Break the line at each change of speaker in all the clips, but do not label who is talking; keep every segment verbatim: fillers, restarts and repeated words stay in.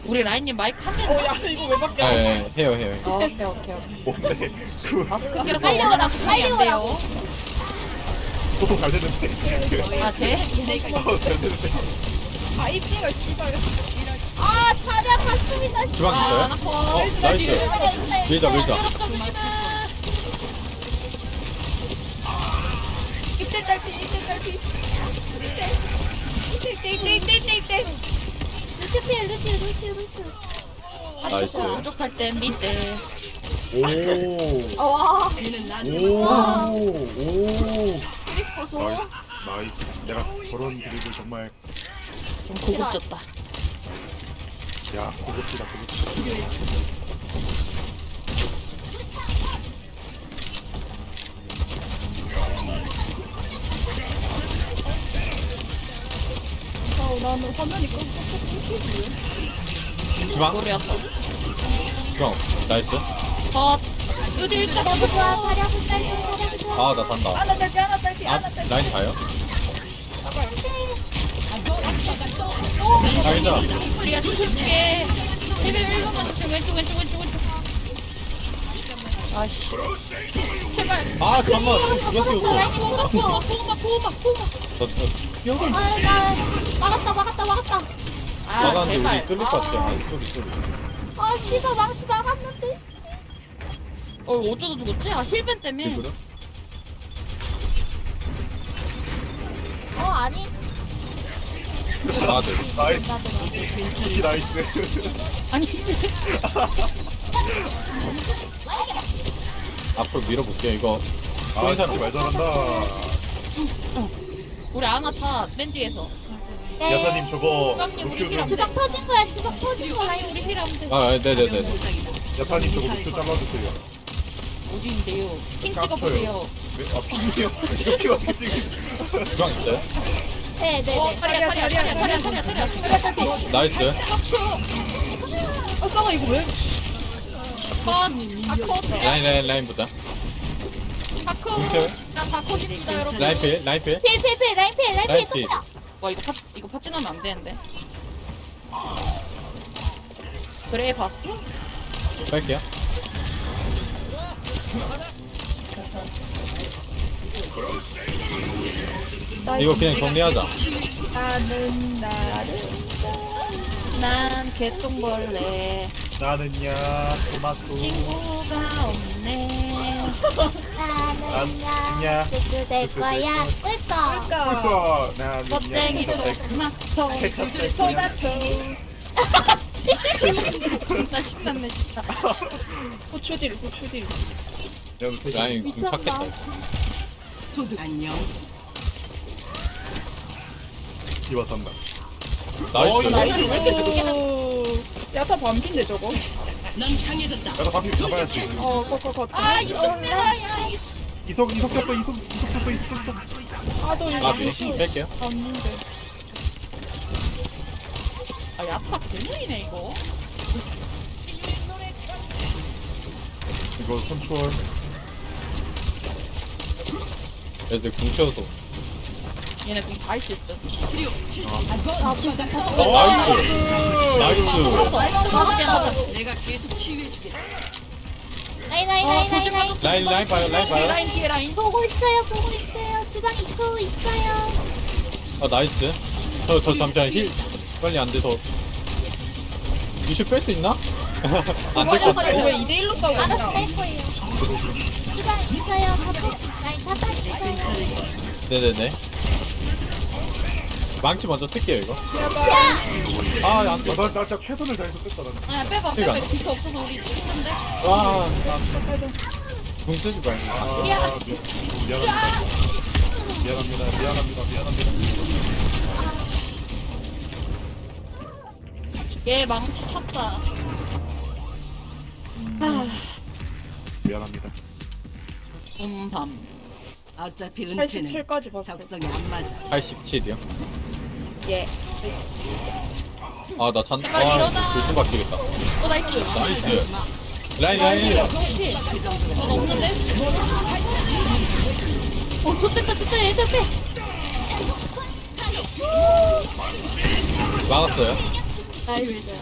우리 라인님 마이크 한
어,
대인데?
야, 이거 왜 바뀌어?
예, 예, 해요, 해요. 해요.
어, 오케이 오케이 오케이.
뭔데? 그
마스크 껴서
빨리
원활한
오라,
소통이
빨리
안 돼요.
소통 잘 되는데.
아 돼?
어, 잘 되는데.
아, 이 피가 씨발.
아, 차량 한숨이다.
주방 있어요?
아, 나 커.
어, 나이스. 밀자, 밀자.
이때 딸피, 이때 딸피. 이때. 이때, 이때, 이때, 이때, 이때.
루시 피해, 루시, 루시, 루시.
나이스.
부족할 땐 밑에.
오.
어, 와,
오. 오.
보소.
나이스. 나이스. 내가 저런 드립을 정말
좀 고급졌다.
야 고급지다 고급지다.
아, 나는 화면이 깜깜깜깜깜.
주방,
모르였어.
주방. 나이스.
컷. 여기 일단
자리하고 좋아, 자리하고 짧고, 자리하고 좋아.
아, 나 산다.
하나 딸피, 하나 딸피,
아,
하나 딸피.
라인 가요?
잠깐.
아, 괜찮아.
우리가 지켜줄게. 힐벤 일로만 주세요. 왼쪽 왼쪽 왼쪽 왼쪽. 아씨. 제발.
아, 잠깐만. 누가 뛰었어?
보호막 보호막 보호막 보호막 보호막.
저, 저, 뛰어가.
아, 나 막았다, 막았다, 막았다.
아
나가는데
제발.
우리 끌릴 것 같아. 아, 쏘리, 쏘리.
아, 씨발, 망치 막았는데.
어 이거 어쩌다 죽었지? 아 힐벤 때문에.
이거는
어, 아니.
나들.
나이스.
나도, 나도.
이 나이스.
아니
앞으로 밀어볼게요. 이거.
아
쏘는
진짜
사람
말 잘한다.
우리 아나 차맨 뒤에서.
네.
야사님 저거
깜님 우리
루큐
힐
좀
주방 터진 거야, 주방 터진 거야.
주방이 우리 힐하면 돼.
아, 네네네.
야사님 저거 루큐 잘라주세요.
어디인데요? 핑 찍어보세요.
네? 아 피요. 피가 어떻게 찍
주방 있어요?
네, 네,
어
네.
차리야 차리야 차리야 차리야 차리야 차리야.
나이스.
격추.
아, 잠깐만, 이거 왜?
컷. 다컷.
라인, 라인, 라인부터.
다컷. 진짜 다컷입니다 여러분.
라인 필, 라인 필.
필, 필, 필, 라인 필, 라인
라인
필,
필.
또
와 이거 파 이거 파진하면 안 되는데. 그래 봤어?
갈게요. 이거 그냥 정리하자.
나는 나를.
난 개똥벌레.
나는야 토마토.
친구가 없네.
나는야,
야.
뚜뚜 될 거야. 꿀꺽.
그러니까.
나는야
멋쟁이 토마토.
토마토.
나 신났네 진짜.
고추딜, 고추딜.
라인 궁
미쳤나?
찾겠다.
디바 산다.
나이스.
나이스.
오. 야타 반핀데, 저거?
야사 바퀴 잡아야지.
어, 컷, 컷, 컷.
아 이성내야.
이석 이석 쳤어 이석 이석 쳤어 이석 쳤어.
아, 저 이거
아, 뺄- 뺄게요.
봤는데.
아 야타 개무이네 이거.
이거 컨트롤.
애들 궁 채워서.
얘네 그다 있을 듯.
아, 무슨 다
어, 나이스. 나이스.
뜨거웠게 하자.
라인, 라인, 라인, 라인, 라인.
라인, 라인 봐요, 라인 봐요.
라인 뒤에 라인.
보고 있어요, 보고 있어요. 주방 입고 있어요.
아, 나이스. 저, 저, 잠시만, 힐, 빨리 안 돼서. 이슈 뺄 수 있나? 안 될 것
이거
같아.
왜 이대 일로 싸우고
알아서
있나?
뺄 거예요. 주방 있어요. 가보. 라인 잡아 있어요.
네네네. 망치 먼저 뜰게요, 이거.
야!
아, 안 돼.
아, 나, 나 진짜 최선을 다해서 뺐다 나는.
아 빼봐
이거
빼봐.
안
이거 비트 없어서 우리 죽는데.
와, 궁 쓰지 말고.
아, 미- 미안합니다. 미안합니다. 미안합니다. 미안합니다.
얘 망치 찼다.
미안합니다.
봄밤.
어차피 은퇴는
팔십칠까지 봤어.
적성이 안 맞아.
팔십칠이요?
예.
아, 나 잔,
제발 일어나.
아, 불좀 바뀌겠다.
어 나이스.
나이스. 라인, 라인.
피. 저 없는데?
어, 좋겠다, 좋다. 얘 빼.
막았어요.
나이스.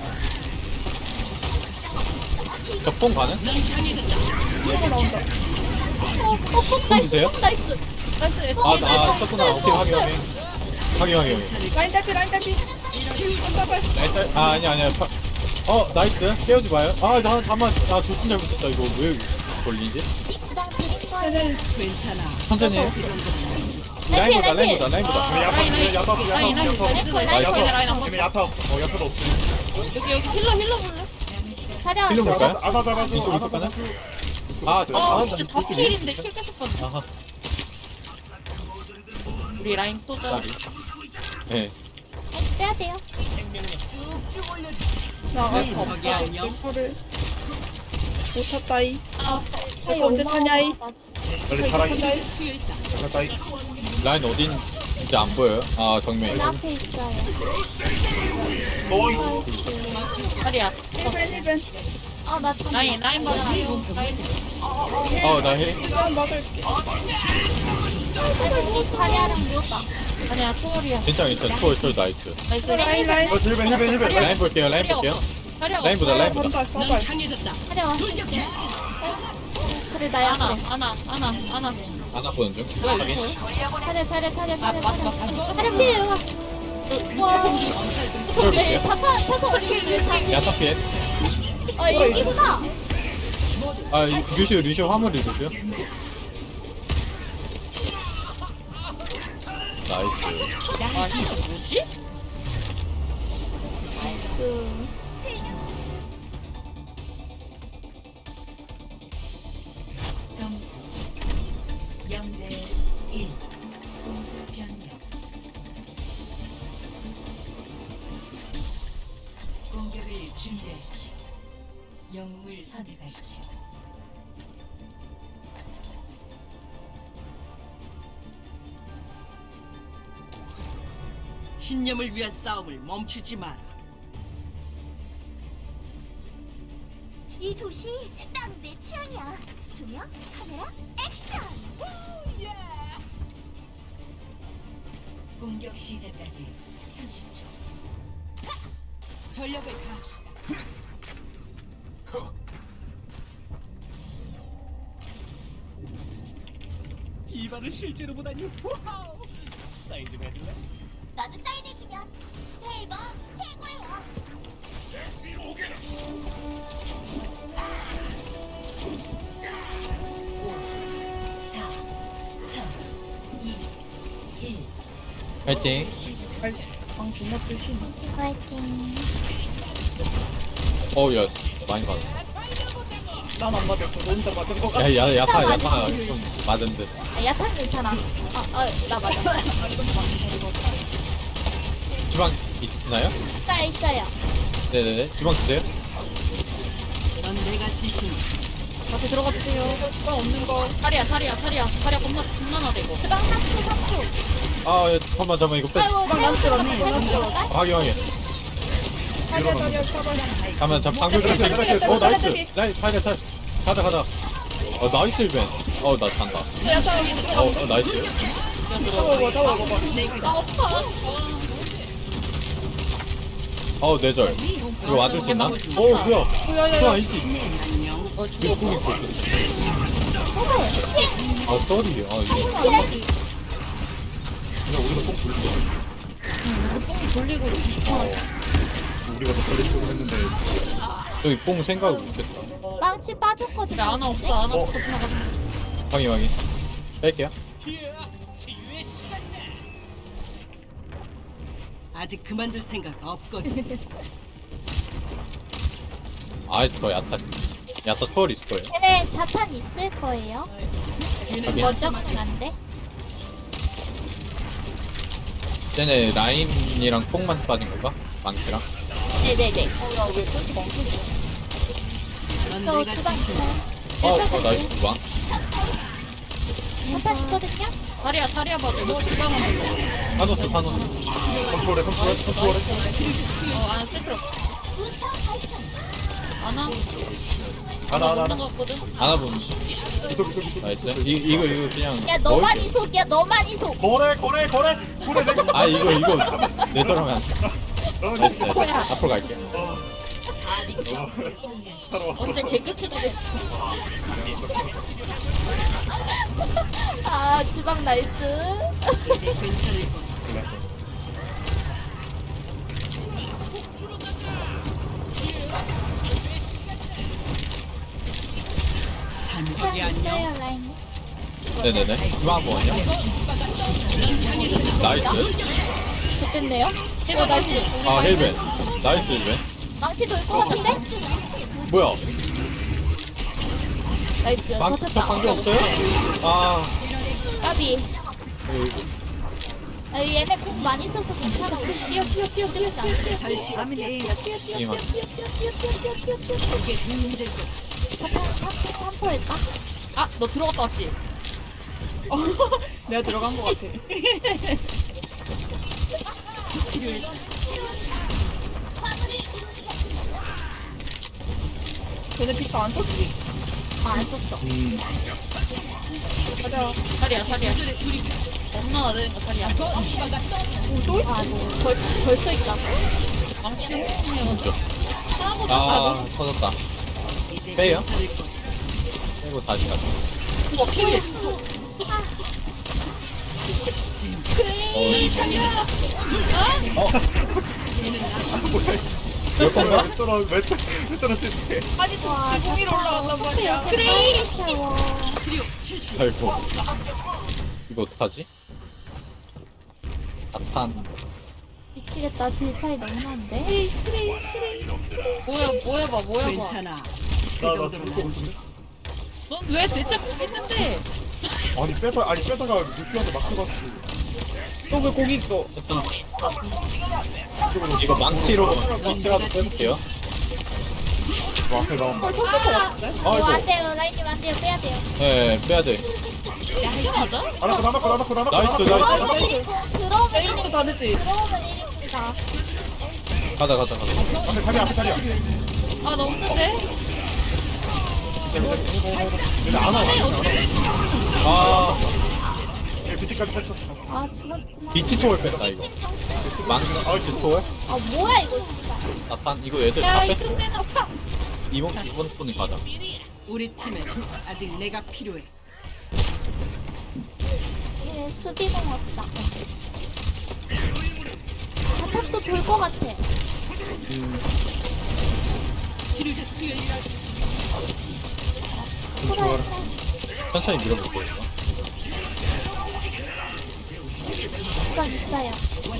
저뽕 가는?
이거 나온다.
어, 어, 어, 나이스.
주세요?
어, 나이스.
나이스.
아, 나 썼구나. 오케이, 확인, 확인. 확인, 확인, 확인.
라인 딸피 라인 딸피. 잠깐만.
나이스. 아, 아니, 아니야. 파... 어, 나이스. 깨우지 마요. 아, 나, 다만, 아, 조금 잘못했다. 이거 왜 걸리지?
주방 드릴 거예요.
쟤는
괜찮아.
천천히 해.
라인
라인보다,
라인
라인보다, 라인보다.
쟤네 야타
라인,
쟤네 야타
라인,
야타
라인, 라인,
야타
나이스,
라인,
나이스.
라인.
라인 한 번.
쟤네 야타 어 야타도 없어.
여기, 여기 힐러, 힐러 볼래?
자리야.
힐러 볼까요?
아나 잡아줘
이쪽,
아나
이쪽 가나?
잡아줘.
아, 저,
아,
아,
진짜
나
다
이쪽이-
필인데 힐 계속 받네.
아하,
우리 라인 또 짜.
나비. 네.
빼야 돼요.
나
네,
아,
거기 안녕.
이거를 못 탔다이.
아,
이거 언제 타냐이?
빨리 타라 이
타냐이.
타라 이
라인 어딘지 안 보여요? 아, 정면.
문 앞에 있어요.
너이
다리야.
힐벤 힐벤.
아, 나 참.
라인, 라인 봐라. 라인.
어, 나 해.
난 막을게.
아니, 이 자리야랑 누웠다.
아니야, 초월이야.
괜찮아, 괜찮아. 초월, 초월 나이스.
나이스.
라인 라인.
어 힐벤 힐벤 힐벤
다리야.
라인 볼게요, 라인
다리야
볼게요.
없어. 다리야
라인보다,
없어.
라인보다.
선발
넌
선발.
강해졌다.
자리야. 그래, 나야.
아나,
그래.
아나, 아나, 아나.
안 아프는 중.
뭐야,
확인.
이거?
차려, 차려, 차려,
아,
차려,
맞다,
차려.
맞다.
차려 피해요. 와.
초월
네,
볼게요.
자타, 타서 올리는데
야타 피해.
아, 여기구나.
아, 이- 루시오, 루시오 화물이 루시오. 나이스.
아, 이거 뭐지?
그,
점수 영 대 일. 공수 변경. 공격을 준비하십시오. 영웅을 선택하십시오. 신념을 위한 싸움을 멈추지 마라.
이 도시 딱 내 취향이야. 조명, 카메라, 액션.
공격 시작까지 삼십 초. 전력을 다합시다. 디바를 실제로 보다니. 와우. 사인 좀 해줄래?
나도 사인해주면 대박 최고야.
사, 삼, 이, 일.
파이팅.
방 존나 뜨시.
화이팅.
어우, 야, 많이 맞았어.
난안 맞았어. 너 혼자 맞은 거 같아.
야, 야, 야타, 야타 좀 맞은 듯.
아, 야탄 괜찮아. 아, 아, 나 맞아.
주방 있나요?
나 있어요.
네네네. 주방 주세요.
넌 내가 지킨.
같이 들어가 주세요.
나 없는 거.
다리야, 다리야, 다리야. 다리야 겁나, 겁나 나대, 이거.
주방 삼 초, 삼 초.
아, 야, 잠깐만, 잠깐만, 이거 빼.
아이고, 잘못 들어갔다, 잘못 들어갔다.
확인, 확인.
다리야 다리야 잡아.
잠깐만, 잠 방금 좀
네,
어, 나이스.
네,
라인, 타이레, 타이레. 가자, 가자. 어, 나이스, 이벤. 어, 나 잔다.
야타.
어, 어, 나이스.
잡아봐 잡아봐.
나 없어.
어, 뇌절. 이거 와줄 수 있나? 어, 뭐야. 그거 아니지.
안녕.
어,
이거 공이 있고. 아, 쏘리. 아, 이거. 그냥 우리가 꼭 돌릴게.
뽕 돌리고 이렇게.
우리가 더 걸릴 줄 했는데
저기 뽕 생각 못했다.
망치 빠졌거든요.
그래, 아나 없어, 아나 없어. 같이 나가.
확인, 확인. 뺄게요.
아직 그만둘 생각 없거든.
아, 저 야타. 야타 투월 있을 거예요.
쟤네 자탄 있을 거예요.
확인.
먼저 만난데.
쟤네 라인이랑 뽕만 빠진 건가? 망치랑?
네네네.
넌
저
내가
주방
지킨.
있어요.
어, 어, 나이스 주방.
자탄 있거든요.
다리야, 다리야 봐도 이거 주방은 몰라.
사노스, 사노스.
컨트롤해 컨트롤해 컨트롤해
어, 아나 쓸 필요 없어. 아나?
하나 하나
없는
하나
거 같거든?
안아보면.
이속 이속 이속
나이스. 이, 이거, 이거 그냥.
야, 너만
넣을게요.
이속이야, 너만 이속.
거래 거래 거래 거래 내
아, 이거, 이거. 내절하면 안 돼. 나이스 나이스. 앞으로 갈게.
언제 개그체가 됐어.
아 주방 나이스.
주방 있어요 라인.
네네네. 주방 한번 원요. 나이스.
좋겠네요.
어, 나이스.
아 헬벤. 나이스 헬벤.
망치 돌것 같은데?
뭐야?
나이스.
망, 저
버텼다.
관계 없어요? 아,
까비.
어이구.
아, 얘네 공 많이 써서 괜찮아. 뛰어 뛰어 뛰어 뛰어 뛰어 뛰어 뛰어
이만.
삼포 할까?
아, 너 들어갔다 왔지?
내가 들어간 것 같아. 쟤네 피터 안 썼지? 아, 안 썼어. 맞아.
자리야, 자리야. 겁나 되는 거 자리야.
오, 또 있어? 아, 뭐, 벌, 벌써 있다.
망치
그렇죠. 아, 터졌다. 빼요? 빼고 다시 가자.
우와, 필.
어, 어? 몇 건가?
왜 떨어 왜 떨어 왜 떨어지지?
아니, 와, 공 위로 올라간단 말이야.
그래, 씨.
아이고. 이거 어떡하지? 나탄.
미치겠다. 딜 차이 너무 나는데?
뭐야, 뭐 해봐, 뭐 해봐.
괜찮아.
나나 죽을 것 같은데?
넌 왜 대체 거기 있는데?
아니 빼다 아니 빼다가 루시한테 막혀가지고
여기 고기 있어.
일단 이거 망치로 망치라도 빼볼게요.
뭐 앞에 나온
헐, 터질 것 같은데?
뭐
아이고.
안 돼요 라인님 안 돼요 빼야 돼요.
네, 빼야 돼.
이게 맞아?
나나코 나나코 나나코 나나코
나이스, 나이스.
들어오면
내일부터
일입니다.
다 됐지?
들어오면 일입니다.
가자, 가자, 가자.
앞에 자리야 앞에 자리야
아, 나 없는데?
얘네 안 와.
아,
얘 비트까지 뺐었어
아 죽었구나.
비트 초월 뺐다, 이거. 망치, 비트 초월?
아 뭐야 이거 씨발.
나탄, 이거 애들 다
야, 이
뺐어.
순대 나파.
이번, 이번 분이 가자.
우리 팀에 아직 내가 필요해.
얘 수비공 없다. 바탑도 돌 것 같아.
좋아라. 천천히 밀어볼게요, 이거.
주방 있어요.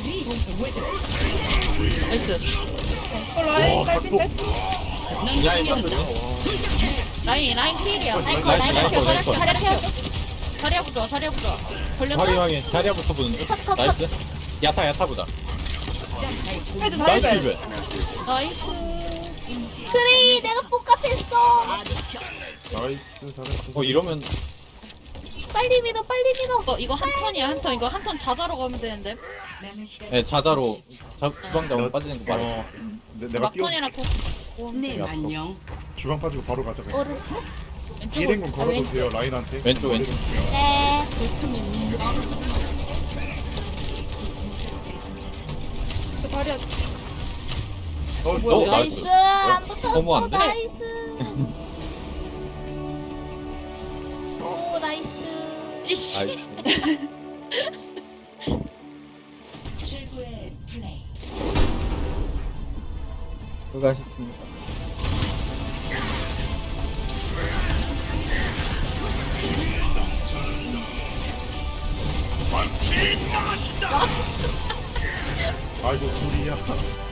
나이스.
어, 라인 깔핀데?
야, 이거
라인, 라인 필이야.
라인 거
나이스,
라인
나이스,
거
나이스.
자리 켜.
자리야 부좋아, 자리야 부좋아. 걸렸나?
확인, 확인. 자리야부터 보는 중.
컷, 컷, 컷.
나이스. 야타, 야타보다.
헤드 다
나이스,
해줘야
이벤.
나이스.
그래 내가 뽀깝했어.
나이스 잘했어
어, 이러면
빨리 밀어 빨리 밀어.
이거, 이거 한 턴이야, 한 턴. 이거 한 턴 자자로 가면 되는데.
네, 자자로 자, 주방 잡으면 빠지는 거 말해.
어 내, 내가 뛰어
막턴이라 고
네
앞으로.
안녕.
주방 빠지고 바로 가자 그냥
오른.
왼쪽으로.
일행군 걸어도 돼요 라인한테
왼쪽, 왼쪽.
네.
그 다리야.
어,
어,
너
나이스.
나이스. 안 붙었어.
너무한데?
나이스. 오 나이스.
찌씨.
나이스.
최고의 플레이.
수고하셨습니다.
아이고 둘이야